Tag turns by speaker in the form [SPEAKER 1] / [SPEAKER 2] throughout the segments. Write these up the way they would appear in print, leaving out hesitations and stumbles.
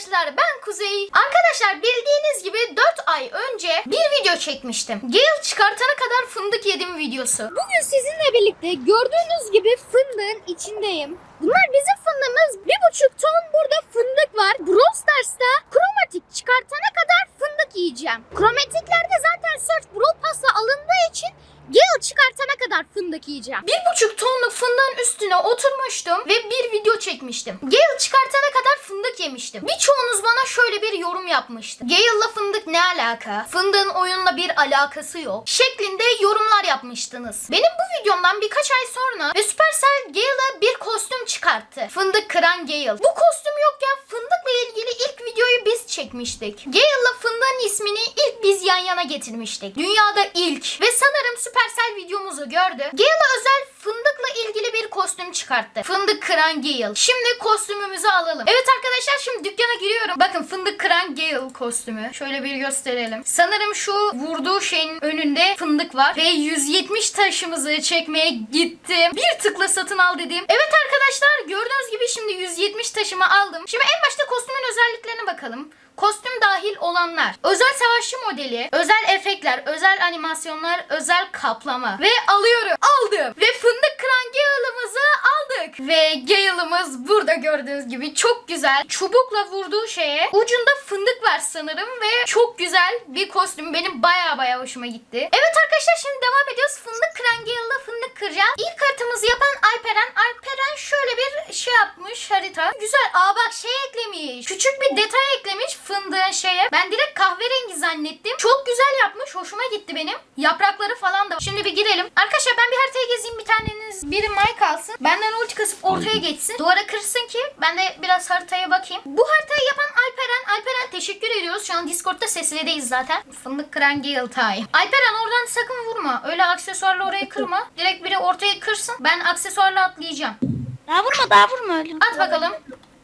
[SPEAKER 1] arkadaşlar, ben Kuzey. Arkadaşlar bildiğiniz gibi 4 ay önce bir video çekmiştim. Gale çıkartana kadar fındık yedim videosu.
[SPEAKER 2] Bugün sizinle birlikte gördüğünüz gibi fındığın içindeyim. Bunlar bizim fındığımız. 1,5 ton burada fındık var. Brawl Stars'ta kromatik çıkartana kadar fındık yiyeceğim. Kromatiklerde zaten Search Brawl Pass'la alındığı için Gale çıkartana kadar fındık yiyeceğim.
[SPEAKER 1] 1,5 tonluk fındığın üstüne oturmuştum ve bir video çekmiştim. Gale çıkartana kadar fındık yemiştim. Birçoğunuz bana şöyle bir yorum yapmıştı. Gale'la fındık ne alaka? Fındığın oyunla bir alakası yok şeklinde yorumlar yapmıştınız. Benim bu videomdan birkaç ay sonra ve Supercell Gale'a bir kostüm çıkarttı. Fındık kıran Gale. Bu kostüm yokken fındıkla ilgili ilk videoyu biz çekmiştik. Gale'la fındığın ismini ilk biz yan yana getirmiştik. Dünyada ilk ve sanırım Supercell videomuzu gördü. Gale'a özel fındıkla ilgili bir kostüm çıkarttı. Fındık kıran Gale. Şimdi kostümümüzü alalım. Evet arkadaşlar, şimdi dükkana giriyorum. Bakın fındık kıran Gale kostümü. Şöyle bir gösterelim. Sanırım şu vurduğu şeyin önünde fındık var. Ve 170 taşımızı çekmeye gittim. Bir tıkla satın al dedim. Evet arkadaşlar, gördüğünüz gibi şimdi 170 taşımı aldım. Şimdi en başta kostümün özelliklerine bakalım. Kostüm dahil olanlar: özel savaşçı modeli, özel efektler, özel animasyonlar, özel kaplama. Ve alıyorum. Aldım. Ve fındık kıran Gale'ımızı aldık. Ve Gale'ımız burada gördüğünüz gibi çok güzel. Çubukla vurduğu şeye ucunda fındık var sanırım ve çok güzel bir kostüm. Benim baya hoşuma gitti. Evet arkadaşlar, şimdi devam ediyoruz. Fındık kıran Gale'la fındık kıracağız. İlk haritamızı yapan Alperen. Alperen şöyle bir şey yapmış, harita. Güzel. Aa bak, şey eklemiş. Küçük bir detay eklemiş fındığın şeye. Ben direkt kahverengi zannettim. Çok güzel yapmış. Hoşuma gitti benim. Yaprakları falan da. Şimdi bir girelim. Arkadaşlar ben bir haritaya gezeyim. Bir taneniz, biri mic alsın. Benden ulti kasıp ortaya geçsin. Duvara kırsın ki ben de biraz haritaya bakayım. Bu haritayı yapan Alperen. Alperen teşekkür ediyoruz. Şu an Discord'da seslideyiz zaten. Fındık kıran Gale time. Alperen oradan sakın vurma. Öyle aksesuarla orayı kırma. Direkt biri ortaya kırsın. Ben aksesuarla atlayacağım.
[SPEAKER 2] Daha vurma öyle.
[SPEAKER 1] At bakalım.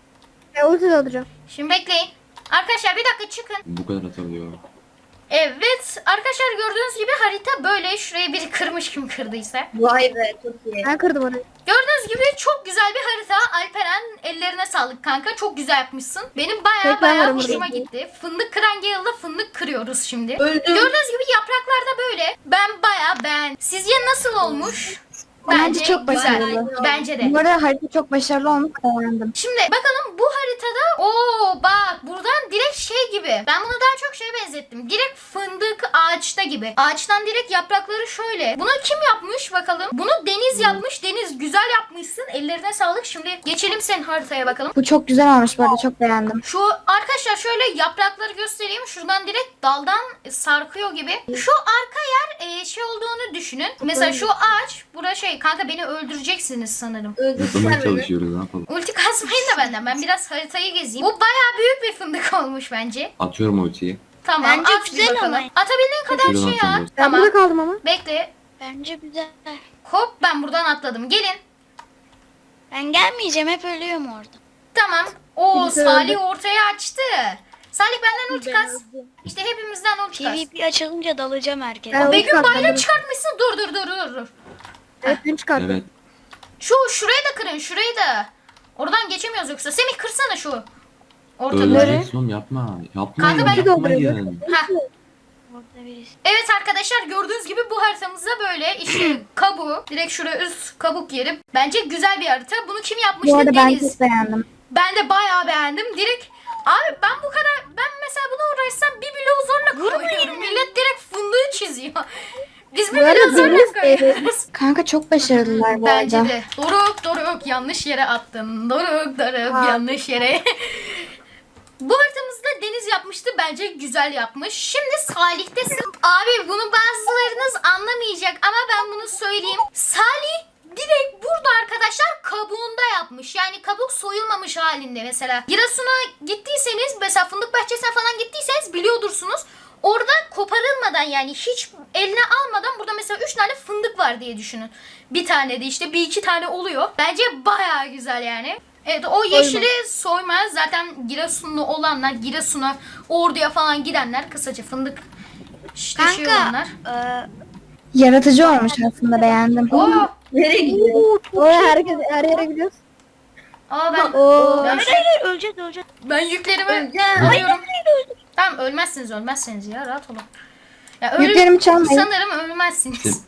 [SPEAKER 2] Ulti alacağım.
[SPEAKER 1] Şimdi bekleyin. Arkadaşlar bir dakika çıkın.
[SPEAKER 3] Bu kadar atabiliyor.
[SPEAKER 1] Evet arkadaşlar, gördüğünüz gibi harita böyle. Şurayı biri kırmış, kim kırdıysa.
[SPEAKER 4] Vay be, çok iyi.
[SPEAKER 2] Ben kırdım orayı.
[SPEAKER 1] Gördüğünüz gibi çok güzel bir harita. Alperen, ellerine sağlık kanka. Çok güzel yapmışsın. Benim baya
[SPEAKER 2] varım
[SPEAKER 1] hoşuma
[SPEAKER 2] burada.
[SPEAKER 1] gitti. Fındık kıran Gale'la fındık kırıyoruz şimdi.
[SPEAKER 4] Öldüm.
[SPEAKER 1] Gördüğünüz gibi yapraklar da böyle. Ben baya beğendim. Sizce nasıl olmuş?
[SPEAKER 2] Bence çok
[SPEAKER 1] güzel.
[SPEAKER 2] başarılı.
[SPEAKER 1] Bence de.
[SPEAKER 2] Bu arada harita çok başarılı olmuş, beğendim.
[SPEAKER 1] Şimdi bakalım bu haritada. Bak buradan direkt şey gibi. Ben bunu daha çok şeye benzettim. Direkt fındık ağaçta gibi. Ağaçtan direkt yaprakları şöyle. Bunu kim yapmış bakalım? Bunu Deniz yapmış. Deniz, güzel yapmışsın. Ellerine sağlık. Şimdi geçelim senin haritaya bakalım.
[SPEAKER 2] Bu çok güzel olmuş, bu arada çok beğendim.
[SPEAKER 1] Şu arkadaşlar şöyle yaprakları göstereyim. Şuradan direkt daldan sarkıyor gibi. Şu arka yer şey olduğunu düşünün. Mesela şu ağaç. Bura şey, kanka beni öldüreceksiniz sanırım.
[SPEAKER 3] Yapmaya
[SPEAKER 4] Öldürsene beni.
[SPEAKER 3] çalışıyoruz, ne yapalım.
[SPEAKER 1] Ulti kasmayın da benden. Ben biraz haritayı gezeyim. Bu bayağı büyük bir fındık olmuş bence.
[SPEAKER 3] Atıyorum ultiyi.
[SPEAKER 1] Tamam,
[SPEAKER 2] Bence
[SPEAKER 1] at bir
[SPEAKER 2] güzel
[SPEAKER 1] bakalım.
[SPEAKER 2] ama.
[SPEAKER 1] Atabildiğin kadar
[SPEAKER 3] Şuradan
[SPEAKER 1] şey at.
[SPEAKER 3] atıyorum.
[SPEAKER 2] Ben
[SPEAKER 1] Tamam.
[SPEAKER 2] burada kaldım ama.
[SPEAKER 1] Bekle.
[SPEAKER 5] Bence güzel.
[SPEAKER 1] Hop, ben buradan atladım. Gelin.
[SPEAKER 5] Ben gelmeyeceğim, hep ölüyorum orada.
[SPEAKER 1] Tamam. Oo,
[SPEAKER 2] Güzel.
[SPEAKER 1] Salih ortaya açtı. Salih benden ulti kas. İşte hepimizden ulti kas.
[SPEAKER 5] PvP açılınca dalacağım herkese.
[SPEAKER 2] Ben-
[SPEAKER 1] Begüm
[SPEAKER 2] ulti kas,
[SPEAKER 1] bayrak
[SPEAKER 2] ben de-
[SPEAKER 1] çıkartmışsın. Dur.
[SPEAKER 2] Evet, ben çıkarttım.
[SPEAKER 3] Evet.
[SPEAKER 1] Şurayı da kırın, şurayı da. Oradan geçemiyoruz yoksa. Semih kırsana şu. Ortada.
[SPEAKER 3] Öleceksin oğlum, yapma.
[SPEAKER 1] Kanka ben-
[SPEAKER 3] Yapmayın.
[SPEAKER 1] Heh.
[SPEAKER 5] Orada birisi.
[SPEAKER 1] Evet arkadaşlar, gördüğünüz gibi bu haritamızda böyle işte kabuğu. Direkt şuraya üst kabuk yerim. Bence güzel bir harita. Bunu kim
[SPEAKER 2] Bu
[SPEAKER 1] yapmıştı?
[SPEAKER 2] arada ben
[SPEAKER 1] Deniz.
[SPEAKER 2] çok beğendim.
[SPEAKER 1] Ben de bayağı beğendim. Direkt abi ben bu kadar, ben mesela bunu uğraşsam bir bloğu zorla koyuyorum. Millet direkt fındığı çiziyor. Biz bir
[SPEAKER 2] Bu arada
[SPEAKER 1] bloğu zorla
[SPEAKER 2] Deniz,
[SPEAKER 1] koyuyoruz.
[SPEAKER 2] Kanka çok başarılılar bu
[SPEAKER 1] Bence
[SPEAKER 2] arada.
[SPEAKER 1] de. Doruk yanlış yere attın. Doruk yanlış yere. Bu haritamızda Deniz yapmıştı. Bence güzel yapmış. Şimdi Salih'tesin. Abi bunu bazılarınız anlamayacak ama ben bunu söyleyeyim. Salih direkt burada arkadaşlar kabuğunda yapmış. Yani kabuk soyulmamış halinde mesela. Giresun'a gittiyseniz, mesela fındık bahçesine falan gittiyseniz biliyordursunuz. Orada koparılmadan, yani hiç eline almadan burada mesela 3 tane fındık var diye düşünün. Bir tane de işte bir iki tane oluyor. Bence bayağı güzel yani. Evet, o yeşili soymaz. Zaten Giresunlu olanlar, Giresun'a, Ordu'ya falan gidenler kısaca fındık işte şey
[SPEAKER 5] Kanka,
[SPEAKER 1] olanlar.
[SPEAKER 2] Yaratıcı olmuş aslında, beğendim.
[SPEAKER 1] Oo,
[SPEAKER 4] Nereye gidiyorsun?
[SPEAKER 2] Oraya her yere gidiyoruz.
[SPEAKER 1] Aa ben
[SPEAKER 2] Oo.
[SPEAKER 1] ben,
[SPEAKER 5] Öleceğiz.
[SPEAKER 1] ben yüklerimi
[SPEAKER 2] Öleceğim.
[SPEAKER 1] alıyorum. Tamam ölmezsiniz ya rahat olun. Ya
[SPEAKER 2] Yüklerimi çalmayın.
[SPEAKER 1] sanırım ölmezsiniz.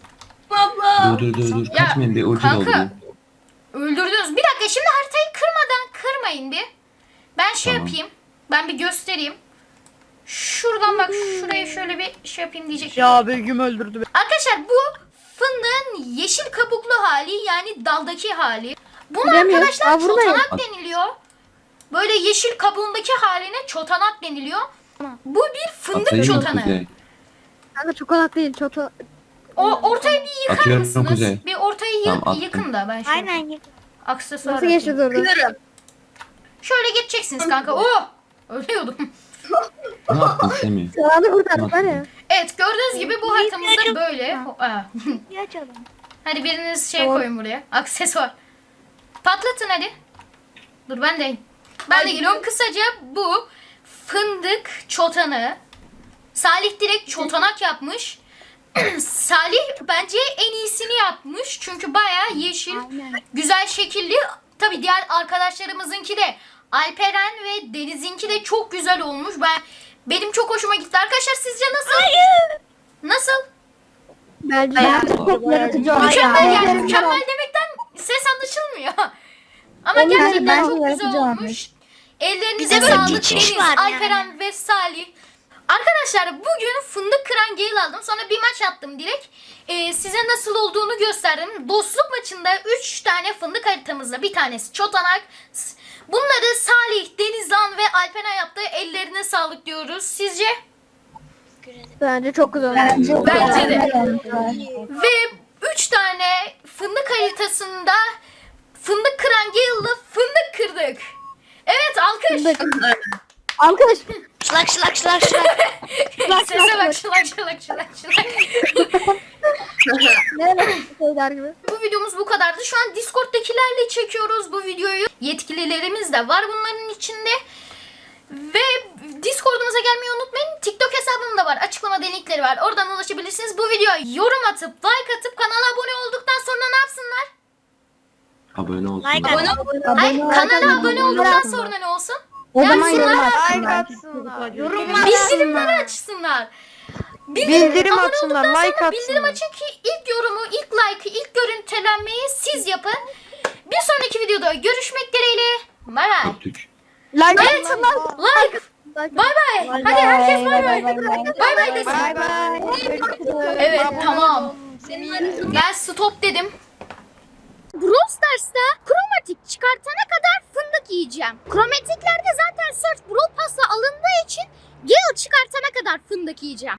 [SPEAKER 3] Dur.
[SPEAKER 1] Ya,
[SPEAKER 3] Kaçmayın bir ucu
[SPEAKER 1] kanka.
[SPEAKER 3] oldu.
[SPEAKER 1] Öldürdünüz. Bir dakika şimdi haritayı kırmayın bir. Ben şey
[SPEAKER 3] Tamam.
[SPEAKER 1] yapayım. Ben bir göstereyim. Şuradan bak şuraya şöyle bir şey yapayım diyecektim.
[SPEAKER 4] Ya Begüm öldürdü beni.
[SPEAKER 1] Arkadaşlar bu fındığın yeşil kabuklu hali yani daldaki hali. Buna
[SPEAKER 2] Bilemiyorum.
[SPEAKER 1] arkadaşlar
[SPEAKER 2] Aa, buradayım.
[SPEAKER 1] çotanak deniliyor. Böyle yeşil kabuğundaki haline çotanak deniliyor. Bu bir fındık
[SPEAKER 3] Atayım mı
[SPEAKER 1] çotanağı.
[SPEAKER 3] kuzey?
[SPEAKER 2] Kanka çokolata değil çota.
[SPEAKER 1] Ortayı bir yıkar
[SPEAKER 3] Atıyorum
[SPEAKER 1] mısınız?
[SPEAKER 3] kuzey.
[SPEAKER 1] Bir ortayı
[SPEAKER 3] Tamam, attım.
[SPEAKER 1] yıkın da ben şöyle
[SPEAKER 5] Aynen.
[SPEAKER 1] aksesuar
[SPEAKER 2] Nasıl
[SPEAKER 1] atayım.
[SPEAKER 2] geçeceğiz oradan?
[SPEAKER 1] Şöyle geçeceksiniz kanka. Oh! Ölüyordum.
[SPEAKER 3] Ne yaptın Semih?
[SPEAKER 2] Sağını kurtardık var ya.
[SPEAKER 1] Evet gördüğünüz gibi bu haritamızda
[SPEAKER 5] çok-
[SPEAKER 1] böyle. Aa.
[SPEAKER 5] Bir açalım.
[SPEAKER 1] Hadi biriniz şey
[SPEAKER 2] Tamam.
[SPEAKER 1] koyun buraya. Aksesuar. Patlatın hadi. Dur ben de geliyorum. Kısaca bu fındık çotanı. Salih direkt çotanak yapmış. Salih bence en iyisini yapmış. Çünkü bayağı yeşil,
[SPEAKER 2] Aynen.
[SPEAKER 1] güzel şekilli. Tabii diğer arkadaşlarımızınki de Alperen ve Deniz'inki de çok güzel olmuş. Benim çok hoşuma gitti. Arkadaşlar sizce nasıl? Nasıl?
[SPEAKER 2] Bence de çok yaratıcı olmuş.
[SPEAKER 1] Mükemmel yani.
[SPEAKER 2] Aynen.
[SPEAKER 1] Mükemmel demekten ses anlaşılmıyor. Ama
[SPEAKER 2] Onun
[SPEAKER 1] gerçekten
[SPEAKER 2] bence
[SPEAKER 1] çok
[SPEAKER 2] yaratıcı
[SPEAKER 1] güzel olmuş.
[SPEAKER 2] olmuş.
[SPEAKER 1] Ellerinize
[SPEAKER 5] Bir de böyle
[SPEAKER 1] sağlık
[SPEAKER 5] geçiş
[SPEAKER 1] Deniz,
[SPEAKER 5] var yani.
[SPEAKER 1] Alperen ve Salih. Arkadaşlar bugün fındık kıran Gale aldım. Sonra bir maç attım direkt. Size nasıl olduğunu gösterdim. Dostluk maçında 3 tane fındık haritamızda bir tanesi çotanak. Bunları Salih, Denizhan ve Alperen yaptı. Ellerine sağlık diyoruz. Sizce?
[SPEAKER 2] Bence çok güzel olmuş.
[SPEAKER 1] Bence de.
[SPEAKER 2] de.
[SPEAKER 1] Ve 3 tane fındık haritasında fındık kıran Gale'la fındık kırdık. Evet alkış.
[SPEAKER 2] Alkış.
[SPEAKER 5] Şılak.
[SPEAKER 1] Sese bak şılak.
[SPEAKER 2] Ne şeyler gibi.
[SPEAKER 1] Bu videomuz bu kadardı. Şu an Discord'dakilerle çekiyoruz bu videoyu. Yetkililerimiz de var bunların içinde. Ve Discord'umuza gelmeyi unutmayın. TikTok hesabım da var. Açıklamada linkleri var. Oradan ulaşabilirsiniz. Bu videoya yorum atıp, like atıp, kanala abone olduktan sonra ne yapsınlar?
[SPEAKER 3] Abone olsun.
[SPEAKER 5] Like at.
[SPEAKER 1] Hayır, kanala abone olduktan sonra ne olsun?
[SPEAKER 2] O zaman
[SPEAKER 1] Yapsınlar.
[SPEAKER 2] yorum
[SPEAKER 4] Like
[SPEAKER 2] atsınlar.
[SPEAKER 4] atsınlar.
[SPEAKER 1] Bildirimleri açsınlar.
[SPEAKER 4] Bildirim
[SPEAKER 1] abone
[SPEAKER 4] atsınlar,
[SPEAKER 1] olduktan
[SPEAKER 4] like
[SPEAKER 1] sonra bildirim
[SPEAKER 4] atsınlar.
[SPEAKER 1] açın ki ilk yorumu, ilk like'ı, ilk görüntülenmeyi siz yapın. Bir sonraki videoda görüşmek dileğiyle. Bay bay.
[SPEAKER 3] Öptük.
[SPEAKER 4] Like
[SPEAKER 1] Evet, like. Bay bay. Hadi herkes bay bay. Bay bay desin.
[SPEAKER 4] Bye bye.
[SPEAKER 1] Evet tamam. Ben stop dedim.
[SPEAKER 2] Brawl Stars'ta kromatik çıkartana kadar fındık yiyeceğim. Kromatiklerde zaten Search Brawl Pass'la alındığı için Gale çıkartana kadar fındık yiyeceğim.